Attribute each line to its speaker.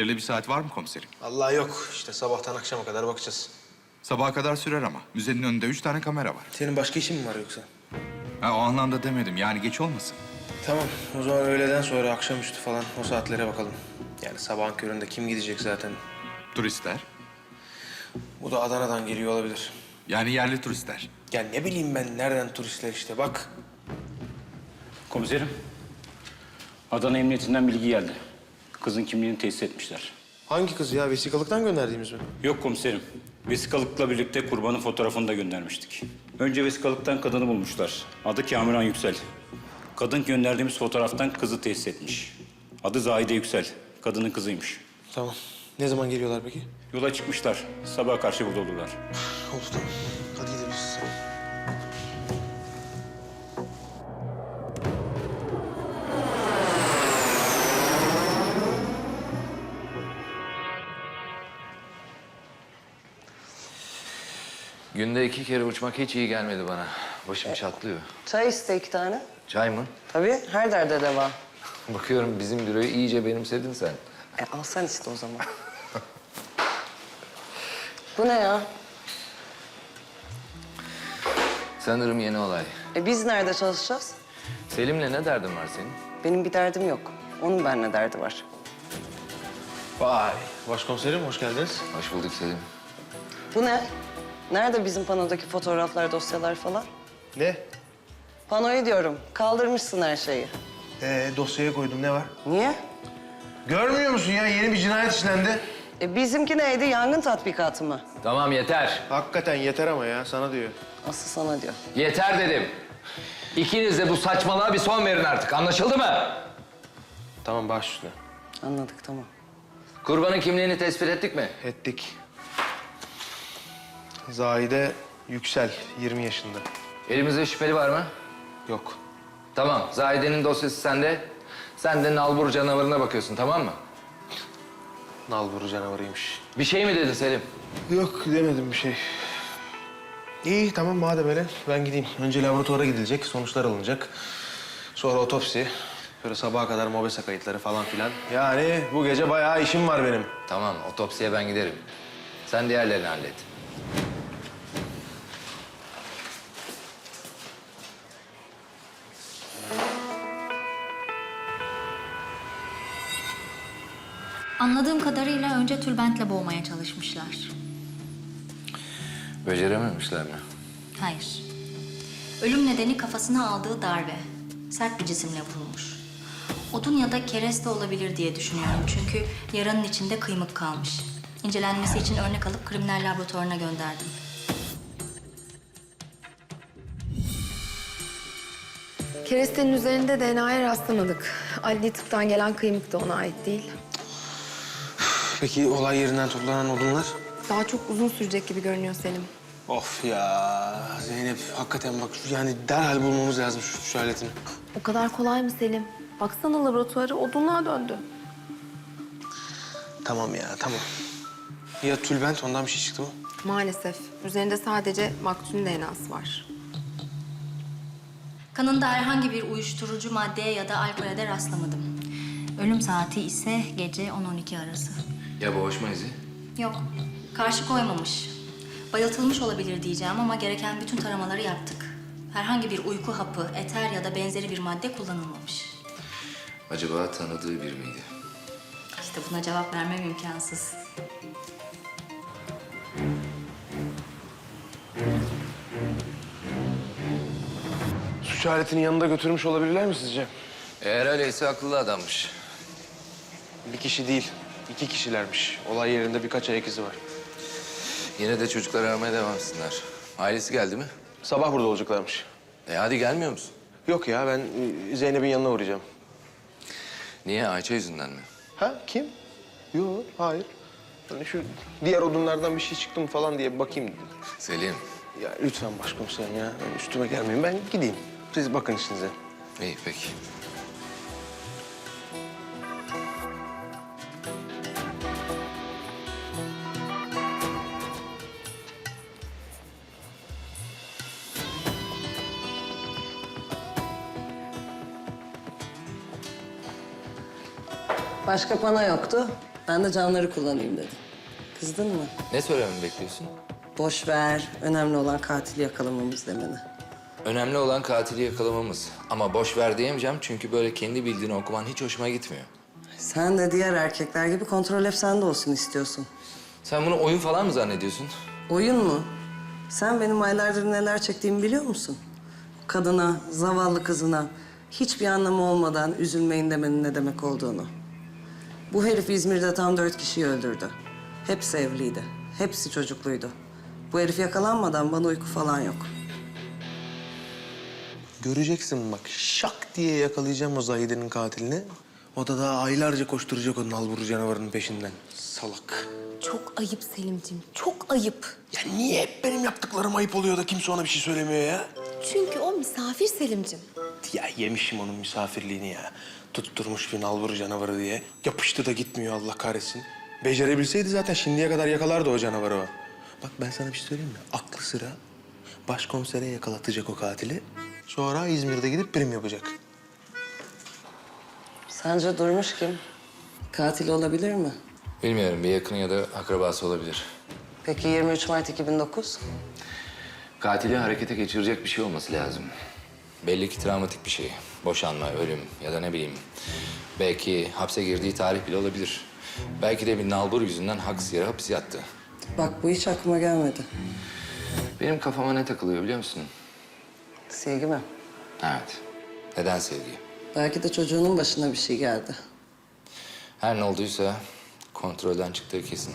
Speaker 1: Belirli bir saat var mı komiserim?
Speaker 2: Vallahi yok. İşte sabahtan akşama kadar bakacağız.
Speaker 1: Sabaha kadar sürer ama. Müzenin önünde 3 tane kamera var.
Speaker 2: Senin başka işin mi var yoksa?
Speaker 1: Ha, o anlamda demedim. Yani geç olmasın.
Speaker 2: Tamam. O zaman öğleden sonra akşamüstü falan o saatlere bakalım. Yani sabahın köründe kim gidecek zaten?
Speaker 1: Turistler.
Speaker 2: Bu da Adana'dan geliyor olabilir.
Speaker 1: Yani yerli turistler.
Speaker 2: Ya ne bileyim ben nereden turistler işte bak.
Speaker 3: Komiserim, Adana Emniyetinden bilgi geldi. Kızın kimliğini tesis etmişler.
Speaker 2: Hangi kız ya? Vesikalıktan gönderdiğimiz mi?
Speaker 3: Yok komiserim, vesikalıkla birlikte kurbanın fotoğrafını da göndermiştik. Önce vesikalıktan kadını bulmuşlar. Adı Kamuran Yüksel. Kadın gönderdiğimiz fotoğraftan kızı tesis etmiş. Adı Zahide Yüksel. Kadının kızıymış.
Speaker 2: Tamam. Ne zaman geliyorlar peki?
Speaker 3: Yola çıkmışlar. Sabaha karşı burada olurlar.
Speaker 2: Oldu tamam. Hadi gidebiliriz.
Speaker 4: Günde 2 kere uçmak hiç iyi gelmedi bana. Başım çatlıyor.
Speaker 5: Çay iste 2 tane.
Speaker 4: Çay mı?
Speaker 5: Tabii, her derde deva.
Speaker 4: Bakıyorum bizim büroyu iyice benimsedin sen.
Speaker 5: Al sen iste o zaman. Bu ne ya?
Speaker 4: Sanırım yeni olay.
Speaker 5: Biz nerede çalışacağız?
Speaker 4: Selim'le ne derdin var senin?
Speaker 5: Benim bir derdim yok. Onun benimle derdi var.
Speaker 2: Vay. Başkomiserim hoş geldiniz.
Speaker 4: Hoş bulduk Selim.
Speaker 5: Bu ne? Nerede bizim panodaki fotoğraflar, dosyalar falan?
Speaker 2: Ne?
Speaker 5: Panoyu diyorum. Kaldırmışsın her şeyi.
Speaker 2: Dosyaya koydum. Ne var?
Speaker 5: Niye?
Speaker 2: Görmüyor musun ya? Yeni bir cinayet işlendi.
Speaker 5: Bizimki neydi? Yangın tatbikatı mı?
Speaker 4: Tamam yeter.
Speaker 2: Hakikaten yeter ama ya. Sana diyor.
Speaker 5: Asıl sana diyor.
Speaker 4: Yeter dedim. İkiniz de bu saçmalığa bir son verin artık. Anlaşıldı mı?
Speaker 2: Tamam baş üstüne.
Speaker 5: Anladık, tamam.
Speaker 4: Kurbanın kimliğini tespit ettik mi?
Speaker 2: Ettik. Zahide Yüksel, 20 yaşında.
Speaker 4: Elimizde şüpheli var mı?
Speaker 2: Yok.
Speaker 4: Tamam. Zahide'nin dosyası sende. Sen de nalbur canavarına bakıyorsun, tamam mı?
Speaker 2: Nalburu canavarıymış.
Speaker 4: Bir şey mi dedin Selim?
Speaker 2: Yok demedim bir şey. İyi tamam madem öyle ben gideyim. Önce laboratuvara gidilecek, sonuçlar alınacak. Sonra otopsi. Böyle sabaha kadar mobese kayıtları falan filan. Yani bu gece bayağı işim var benim.
Speaker 4: Tamam, otopsiye ben giderim. Sen diğerlerini hallet.
Speaker 6: Anladığım kadarıyla önce tülbentle boğmaya çalışmışlar.
Speaker 4: Becerememişler mi?
Speaker 6: Hayır. Ölüm nedeni kafasına aldığı darbe. Sert bir cisimle vurulmuş. Odun ya da kereste olabilir diye düşünüyorum çünkü yaranın içinde kıymık kalmış. İncelenmesi için örnek alıp kriminal laboratuvarına gönderdim.
Speaker 7: Kerestenin üzerinde DNA'ya rastlamadık. Adli tıptan gelen kıymık da ona ait değil.
Speaker 2: Peki olay yerinden toplanan odunlar?
Speaker 7: Daha çok uzun sürecek gibi görünüyor Selim.
Speaker 2: Of ya Zeynep hakikaten bak yani derhal bulmamız lazım şu aletini.
Speaker 7: O kadar kolay mı Selim? Baksana laboratuvarı odunluğa döndü.
Speaker 2: Tamam ya tamam. Ya tülbent ondan bir şey çıktı mı?
Speaker 7: Maalesef. Üzerinde sadece maktulün DNA'sı var.
Speaker 6: Kanında herhangi bir uyuşturucu maddeye ya da alkole de rastlamadım. Ölüm saati ise gece 10-12 arası.
Speaker 4: Ya boğuşma izi?
Speaker 6: Yok, karşı koymamış. Bayıltılmış olabilir diyeceğim ama gereken bütün taramaları yaptık. Herhangi bir uyku hapı, eter ya da benzeri bir madde kullanılmamış.
Speaker 4: Acaba tanıdığı biri miydi?
Speaker 6: İşte buna cevap vermem imkansız.
Speaker 2: Suç aletini yanında götürmüş olabilirler mi sizce?
Speaker 4: Eğer öyleyse akıllı adammış.
Speaker 2: Bir kişi değil, 2 kişilermiş. Olay yerinde birkaç ayak izi var.
Speaker 4: Yine de çocuklar aramaya devam etsinler. Ailesi geldi mi?
Speaker 2: Sabah burada olacaklarmış.
Speaker 4: Hadi gelmiyor musun?
Speaker 2: Yok ya ben Zeynep'in yanına uğrayacağım.
Speaker 4: Niye? Ayça yüzünden mi?
Speaker 2: Ha kim? Yok hayır. Hani şu diğer odunlardan bir şey çıktı mı falan diye bir bakayım dedim.
Speaker 4: Selim.
Speaker 2: Ya lütfen başkomiserim ya. Üstüme gelmeyin ben gideyim. Siz bakın işinize.
Speaker 4: İyi peki.
Speaker 5: Başka pano yoktu. Ben de canları kullanayım dedim. Kızdın mı?
Speaker 4: Ne söylememi bekliyorsun?
Speaker 5: Boş ver. Önemli olan katili yakalamamız demeni.
Speaker 4: Önemli olan katili yakalamamız. Ama boş ver diyemeyeceğim çünkü böyle kendi bildiğini okuman hiç hoşuma gitmiyor.
Speaker 5: Sen de diğer erkekler gibi kontrol hep sende olsun istiyorsun.
Speaker 4: Sen bunu oyun falan mı zannediyorsun?
Speaker 5: Oyun mu? Sen benim aylardır neler çektiğimi biliyor musun? Kadına, zavallı kızına hiçbir anlamı olmadan üzülmeyin demenin ne demek olduğunu. Bu herif İzmir'de tam 4 kişiyi öldürdü. Hepsi evliydi. Hepsi çocukluydu. Bu herif yakalanmadan bana uyku falan yok.
Speaker 2: Göreceksin bak, şak diye yakalayacağım o Zahide'nin katilini. O da daha aylarca koşturacak o nalbur canavarının peşinden. Salak.
Speaker 7: Çok ayıp Selimciğim, çok ayıp.
Speaker 2: Ya niye hep benim yaptıklarım ayıp oluyor da kimse ona bir şey söylemiyor ya?
Speaker 7: Çünkü o misafir Selimciğim.
Speaker 2: Ya yemişim onun misafirliğini ya. Tutturmuş bir nalbur canavarı diye. Yapıştı da gitmiyor Allah kahretsin. Becerebilseydi zaten şimdiye kadar yakalardı o canavarı o. Bak ben sana bir şey söyleyeyim mi? Aklı sıra başkomisere yakalatacak o katili. Sonra İzmir'de gidip prim yapacak.
Speaker 5: Sence Durmuş kim? Katil olabilir mi?
Speaker 4: Bilmiyorum, bir yakını ya da akrabası olabilir.
Speaker 5: Peki 23 Mart 2009?
Speaker 4: Katili harekete geçirecek bir şey olması lazım. Belli ki travmatik bir şey. Boşanma, ölüm ya da ne bileyim. Belki hapse girdiği tarih bile olabilir. Belki de bir nalbur yüzünden haksız yere hapis yattı.
Speaker 5: Bak bu hiç aklıma gelmedi.
Speaker 4: Benim kafama ne takılıyor biliyor musun?
Speaker 5: Sevgi mi?
Speaker 4: Evet. Neden sevgi?
Speaker 5: Belki de çocuğunun başına bir şey geldi.
Speaker 4: Her ne olduysa kontrolden çıktığı kesin.